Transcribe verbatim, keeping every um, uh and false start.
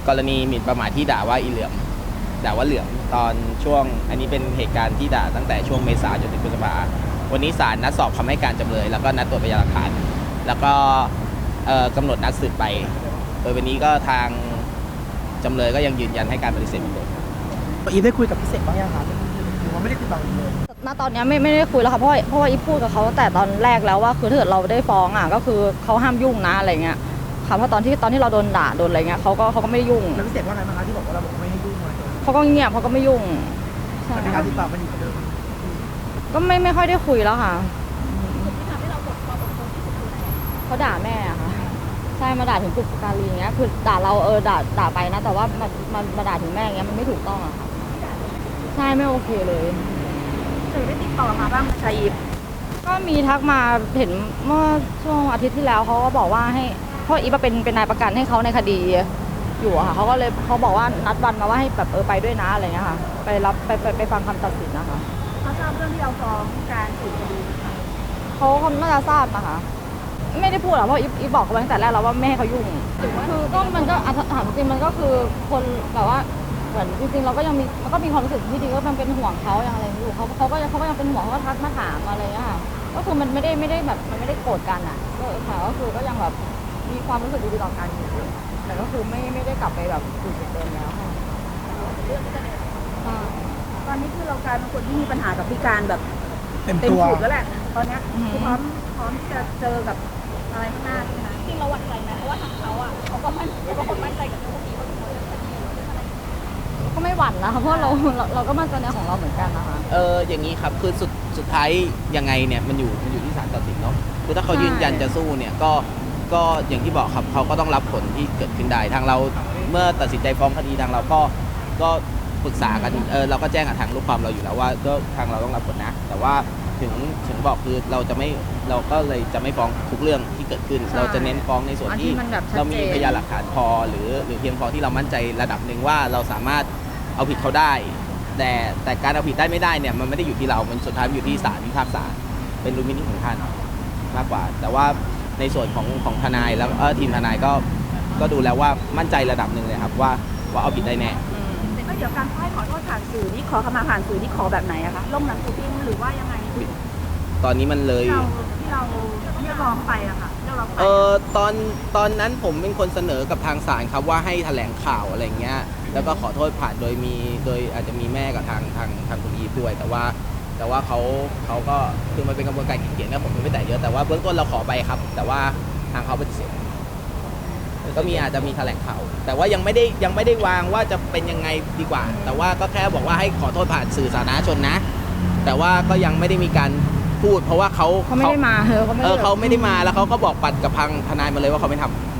กรณีหมิ่นประมาทที่ด่าว่าอีเหลือมด่าว่าเหลือมตอนช่วงอันนี้เป็นเหตุการณ์ที่ด่าตั้งแต่ช่วงเมษายนจนถึงพฤษภาวันนี้ศาลนัดสอบคำให้การจำเลยแล้วก็นัดตรวจพยานหลักฐานแล้วก็กำหนดนัดสืบไปโดยวันนี้ก็ทางจำเลยก็ยังยืนยันให้การปฏิเสธเหมือนเดิมอีฟได้คุยกับพี่เสกบ้างยังคะหรือว่าไม่ได้ติดต่อเลยณตอนนี้ไม่ไม่ได้คุยแล้วค่ะเพราะเพราะว่าอีฟพูดกับเขาแต่ตอนแรกแล้วว่าคือถ้าเกิดเราได้ฟ้องอ่ะก็คือเขาห้ามยุ่งนะอะไรเงี้ยค่ะเพราะตอนที่ตอนที่เราโดนด่าโดนอะไรเงี้ยเขาก็เขาก็ไม่ยุ่งแล้วพี่เสกว่าไงบ้างคะที่บอกว่าเราบอกไม่ให้ยุ่งอะไรเขาก็เงียบเขาก็ไม่ยุ่งในการติดต่อมันอยู่กับเดิมก็ไม่ไม่ค่อยได้คุยแล้วค่ะเขาด่าแม่ค่ะใช่มาด่าถึงปุกการีเงี้ยคือด่าเราเออด่าด่าไปนะแต่ว่ามันมันมาด่าถึงแม่เงี้ยมันไม่ถูกต้องอะค่ะใช่ไม่โอเคเลยเคยได้ติดต่อมาบ้างชายอีฟก็มีทักมาเห็นเมื่อช่วงอาทิตย์ที่แล้วเขาก็บอกว่าให้เพราะอีฟเป็นเป็นนายประกันให้เขาในคดีอยู่ค่ะเขาก็เลยเขาบอกว่านัดวันมาว่าให้แบบเออไปด้วยนะอะไรเงี้ยค่ะไปรับไปไปไปฟังคำตัดสินนะคะเขาทราบเรื่องที่เราฟ้องการสืบคดีเขาเขาน่าจะทราบนะคะไม่ได้พูดหรอกเพราะอีฟบอกเขาตั้งแต่แรกแล้วว่าไม่ให้เขายุ่งคือก็มันก็ถามจริงมันก็คือคนแบบว่าเหมือนจริงๆเราก็ยังมีมันก็มีความรู้สึกที่ดีก็มันเป็นห่วงเขาอย่างอะไรอยู่เขาเขาก็เขาก็ยังเป็นห่วงเขาก็ทักมาถามอะไรอย่างเงี้ยค่ะก็คือมันไม่ได้ไม่ได้แบบมันไม่ได้โกรธกันอ่ะก็ค่ะก็คือก็ยังแบบมีความรู้สึกดีๆต่อกันอยู่แต่ก็คือไม่ไม่ได้กลับไปแบบจุดเดิมแล้วค่ะตอนนี้คือเรากลายเป็นคนที่มีปัญหากับพิการแบบเต็มตัวแล้วแหละตอนนี้คือพร้อมพร้อมที่จะเจอกับอะไรข้างหน้าใช่ไหมจริงเราหวั่นใจไหมเพราะว่าทางเขาอ่ะเขาก็มั่นเขาก็คนมั่นใจกับเรื่องพวกนี้ว่าเขาจะทำเรื่องอะไรก็ไม่หวั่นนะคะเพราะเราเราก็มั่นใจในของเราเหมือนกันนะคะเอออย่างนี้ครับคือสุดสุดท้ายยังไงเนี่ยมันอยู่มันอยู่ที่ศาลตัดสินเนาะคือถ้าเขายืนยันจะสู้เนี่ยก็ก็อย่างที่บอกครับเขาก็ต้องรับผลที่เกิดขึ้นได้ทางเราเมื่อตัดสินใจฟ้องคดีทางเราก็ก็ปรึกษากันเออเราก็แจ้งกับทางลูกความเราอยู่แล้วว่าก็ทางเราต้องรับผลนะแต่ว่าถึงถึงบอกคือเราจะไม่เราก็เลยจะไม่ฟ้องทุกเรื่องที่เกิดขึ้นเราจะเน้นฟ้องในส่วนที่เรามีพยานหลักฐานพอหรือหรือเพียงพอที่เรามั่นใจระดับหนึ่งว่าเราสามารถเอาผิดเขาได้แต่แต่การเอาผิดได้ไม่ได้เนี่ยมันไม่ได้อยู่ที่เรามันสุดท้ายอยู่ที่ศาลพิพากษาเป็นดุลพินิจของท่านมากกว่าแต่ว่าในส่วนของของทนายแล้วเออทีมทนายก็ก็ดูแล้วว่ามั่นใจระดับหนึ่งเลยครับว่าว่าเอาผิดได้แน่ก็เดี๋ยวการให้ขอโทษผ่านสื่อนี่ขอขมาผ่านสื่อนี่ขอแบบไหนอะคะลงหนังสือพิมพ์หรือว่ายังไงตอนนี้มันเลยที่เราเรียกร้องไปอะค่ะเออตอนตอนนั้นผมเป็นคนเสนอกับทางศาลครับว่าให้แถลงข่าวอะไรเงี้ยแล้วก็ขอโทษผ่านโดยมีโดยอาจจะมีแม่กับทางทางทางคุณอีฟด้วยแต่ว่าแต่ว่าเขาเขาก็คือมันเป็นกระบวนการเขียนนะผมไม่แต่เยอะแต่ว่าเบื้องต้นเราขอไปครับแต่ว่าทางเขาปฏิเสธก็มีอาจจะมีแถลงข่าวแต่ว่ายังไม่ได้ยังไม่ได้วางว่าจะเป็นยังไงดีกว่าแต่ว่าก็แค่บอกว่าให้ขอโทษผ่านสื่อสาธารณชนนะแต่ว่าก็ยังไม่ได้มีการพูดเพราะว่าเขาเขาไม่ได้มาเออเขาไม่ได้มาแล้วเขาก็บอกปัดกับทางทนายมาเลยว่าเขาไม่ทำ